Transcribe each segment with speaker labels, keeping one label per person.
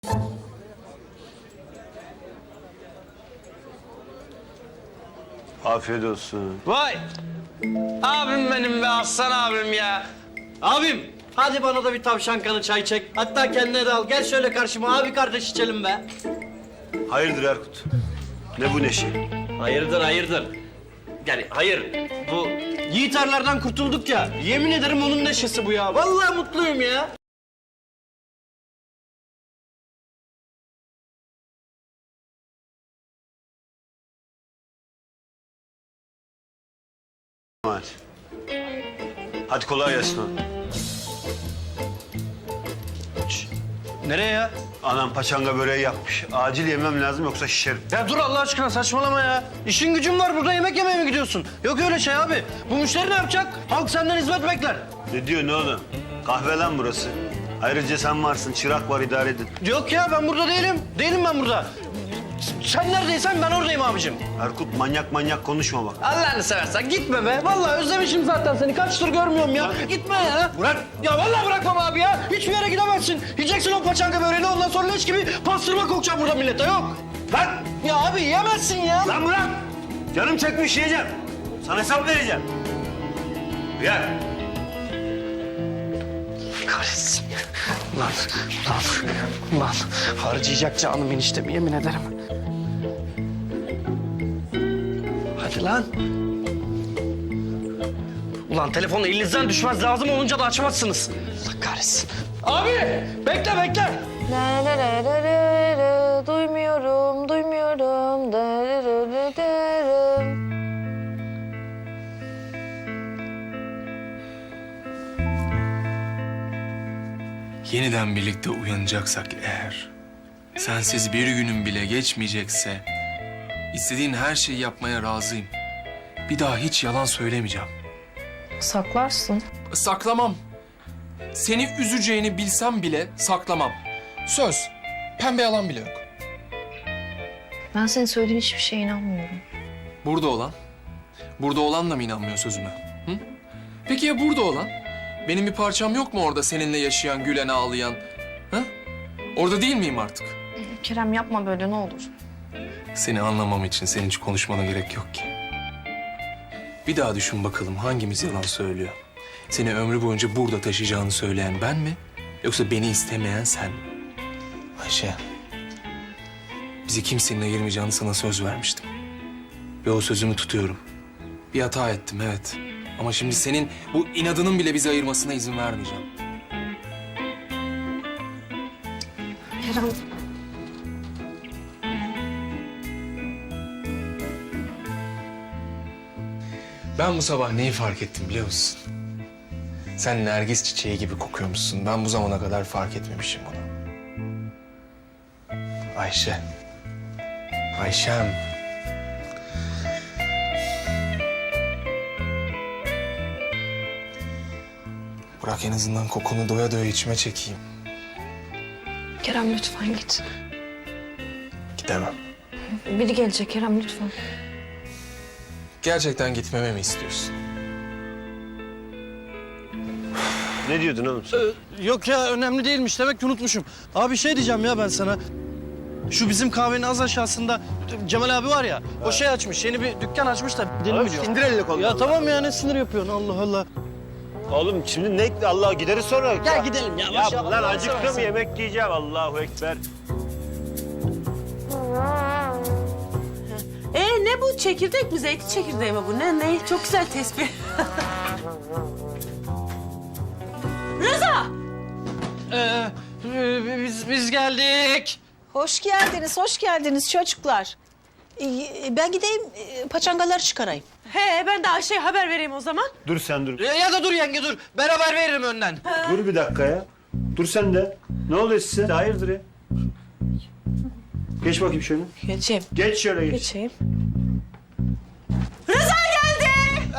Speaker 1: Afiyet olsun.
Speaker 2: Vay! Abim benim be, aslan abim ya. Abim, hadi bana da bir tavşan kanı çay çek. Hatta kendine de al. Gel şöyle karşıma, abi kardeş içelim be.
Speaker 1: Hayırdır Erkut? Ne bu neşe?
Speaker 2: Hayırdır, hayırdır. Yani hayır, bu yiğiterlerden kurtulduk ya. Yemin ederim onun neşesi bu ya. Vallahi mutluyum ya.
Speaker 1: Hadi. Hadi kolay gelsin oğlum.
Speaker 2: Nereye ya?
Speaker 1: Anam paçanga böreği yapmış. Acil yemem lazım yoksa şişerim.
Speaker 2: Ya dur Allah aşkına, saçmalama ya. İşin gücün var, burada yemek yemeye mi gidiyorsun? Yok öyle şey abi. Bu müşteri ne yapacak? Halk senden hizmet bekler.
Speaker 1: Ne diyorsun oğlum? Kahve lan burası. Ayrıca sen varsın, çırak var, idare edin.
Speaker 2: Yok ya, ben burada değilim. Değilim ben burada. Sen neredeysen ben oradayım abicim.
Speaker 1: Erkut manyak konuşma bak.
Speaker 2: Allah'ını seversen gitme be. Vallahi özlemişim zaten seni. Kaçtır görmüyorum ya. Gitme ya. Bırak. Ya vallahi bırakmam abi ya. Hiçbir yere gidemezsin. Yiyeceksin o paçanga böreğini, ondan sonra leş gibi pastırma kokacağım burada millete. Yok.
Speaker 1: Lan!
Speaker 2: Ya abi yiyemezsin ya.
Speaker 1: Lan bırak! Canım çekmiş yiyeceğim. Sana hesap vereceğim. Gel.
Speaker 2: Kahretsin. Ulan. Harcayacak canım eniştemi, yemin ederim. Hadi lan. Ulan telefonu elinizden düşmez, lazım olunca da açmazsınız. Allah kahretsin. Abi bekle.
Speaker 3: Duymuyorum.
Speaker 4: Yeniden birlikte uyanacaksak eğer, sensiz bir günüm bile geçmeyecekse, istediğin her şeyi yapmaya razıyım. Bir daha hiç yalan söylemeyeceğim.
Speaker 3: Saklarsın.
Speaker 4: Saklamam. Seni üzeceğini bilsem bile saklamam. Söz. Pembe yalan bile yok.
Speaker 3: Ben senin söylediğin hiçbir şeye inanmıyorum.
Speaker 4: Burada olan? Burada olan da mı inanmıyor sözüme? Hı? Peki ya burada olan? Benim bir parçam yok mu orada seninle yaşayan, gülen, ağlayan? Ha? Orada değil miyim artık?
Speaker 3: Kerem yapma böyle, ne olur.
Speaker 4: Seni anlamam için senin hiç konuşmana gerek yok ki. Bir daha düşün bakalım, hangimiz yalan söylüyor? Seni ömrü boyunca burada taşıyacağını söyleyen ben mi? Yoksa beni istemeyen sen mi? Ayşe, bizi kimsenin ayırmayacağını sana söz vermiştim. Ve o sözümü tutuyorum. Bir hata ettim, evet. Ama şimdi senin bu inadının bile bizi ayırmasına izin vermeyeceğim.
Speaker 3: Kerem.
Speaker 4: Ben bu sabah neyi fark ettim biliyor musun? Sen nergis çiçeği gibi kokuyormuşsun. Ben bu zamana kadar fark etmemişim bunu. Ayşe. Ayşem. Bırak en azından kokunu doya doya içime çekeyim.
Speaker 3: Kerem lütfen git.
Speaker 4: Gidemem.
Speaker 3: Biri gelecek Kerem, lütfen.
Speaker 4: Gerçekten gitmemi mi istiyorsun?
Speaker 1: Ne diyordun oğlum sen?
Speaker 2: Yok ya, önemli değilmiş. Demek ki unutmuşum. Abi şey diyeceğim ya ben sana. Şu bizim kahvenin az aşağısında Cemal abi var ya. O şey açmış, yeni bir dükkan açmış da gidelim mi diyor.
Speaker 1: İndir elini kolunu.
Speaker 2: Ya tamam ya, ne sinir yapıyorsun Allah Allah.
Speaker 1: Oğlum şimdi ne Allah gideriz sonra.
Speaker 2: Gel gidelim ya.
Speaker 1: Ya
Speaker 2: Başla,
Speaker 1: lan
Speaker 2: Allah'ını
Speaker 1: acıktım,
Speaker 2: seversen.
Speaker 1: yemek yiyeceğim. Allahu Ekber.
Speaker 5: Ne bu? Çekirdek mi? Zeytin çekirdeği mi bu? Ne? Çok güzel tespih. Rıza!
Speaker 2: Biz geldik.
Speaker 6: Hoş geldiniz çocuklar. Ben gideyim, paçangaları çıkarayım.
Speaker 5: Ben de Ayşe'ye haber vereyim o zaman.
Speaker 1: Dur sen dur.
Speaker 2: Ya da dur yenge dur. Beraber veririm önden.
Speaker 1: Dur bir dakika ya. Dur sen de. Ne oluyor size? Hayırdır ya? Geç bakayım şöyle.
Speaker 6: Geçeyim.
Speaker 1: Geç şöyle geç.
Speaker 6: Geçeyim.
Speaker 5: Rıza geldi!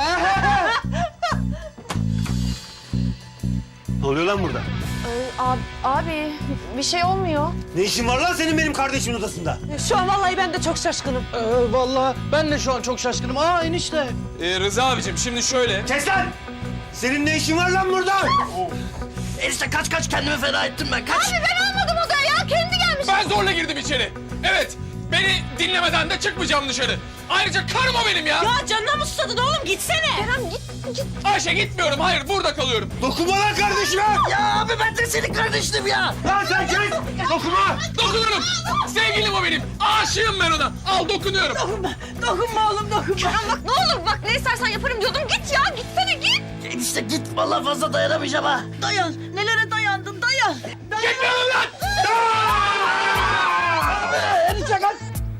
Speaker 1: Ne oluyor lan burada?
Speaker 3: Abi bir şey olmuyor.
Speaker 1: Ne işin var lan senin benim kardeşimin odasında?
Speaker 5: Şu an vallahi ben de çok şaşkınım.
Speaker 2: Vallahi ben de şu an çok şaşkınım. Aa enişte.
Speaker 4: Rıza abicim şimdi şöyle.
Speaker 1: Kes lan! Senin ne işin var lan burada?
Speaker 2: Enişte kaç kendimi feda ettim ben. Kaç.
Speaker 3: Ben almadım odaya ya, kendi gelmiş.
Speaker 4: zorla girdim içeri. Evet, beni dinlemeden de çıkmayacağım dışarı. Ayrıca karım o benim ya.
Speaker 5: Ya canına mı susadın oğlum gitsene.
Speaker 3: Kerem git.
Speaker 4: Ayşe gitmiyorum, hayır burada kalıyorum.
Speaker 1: Dokunma lan kardeşime.
Speaker 2: Ya abi ben de senin kardeşim ya.
Speaker 1: Lan sen kes. Dokunma.
Speaker 4: Dokunurum. Sevgilim o benim. Aşığım ben ona. Al dokunuyorum.
Speaker 5: Dokunma oğlum dokunma.
Speaker 3: Kerem bak ne olur bak ne istersen yaparım diyordum. Git ya gitsene git.
Speaker 2: Enişte git vallahi fazla dayanamayacağım ha.
Speaker 6: Dayan. Nelere dayandın dayan.
Speaker 4: Gitmiyorum lan.
Speaker 2: Enişte kaç.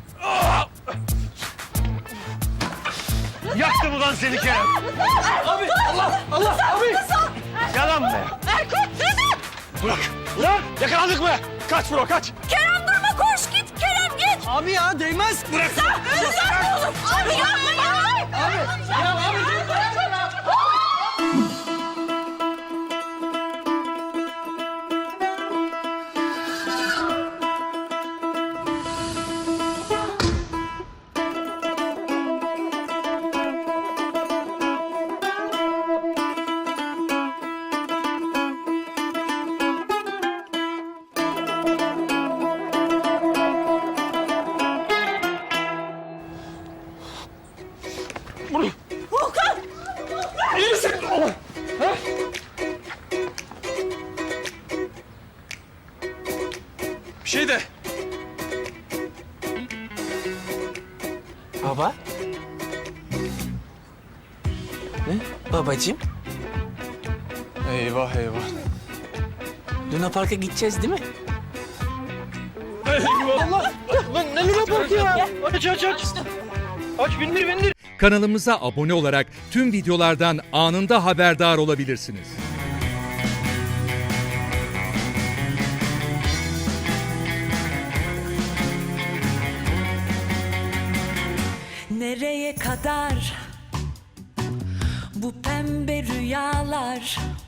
Speaker 1: Yaktım ulan seni Kerem.
Speaker 2: Abi Allah abi.
Speaker 1: Yalan be.
Speaker 3: Erkut Sedat.
Speaker 1: Bırak. Ulan yakalandık mı? Kaç bro kaç.
Speaker 3: Kerem durma koş git. Kerem git.
Speaker 2: Abi ya değmez.
Speaker 1: Bırak.
Speaker 3: Sen oğlum. Abi yapma ya.
Speaker 2: Ya abi.
Speaker 4: Bir şey de.
Speaker 2: Baba. Ne? Babacığım.
Speaker 4: Eyvah eyvah.
Speaker 2: Luna Park'a gideceğiz değil mi?
Speaker 1: Allah. Lan ne lüle bak ya. Aç aç aç. Aç bindir.
Speaker 7: Kanalımıza abone olarak tüm videolardan anında haberdar olabilirsiniz.
Speaker 8: Nereye kadar bu pembe rüyalar?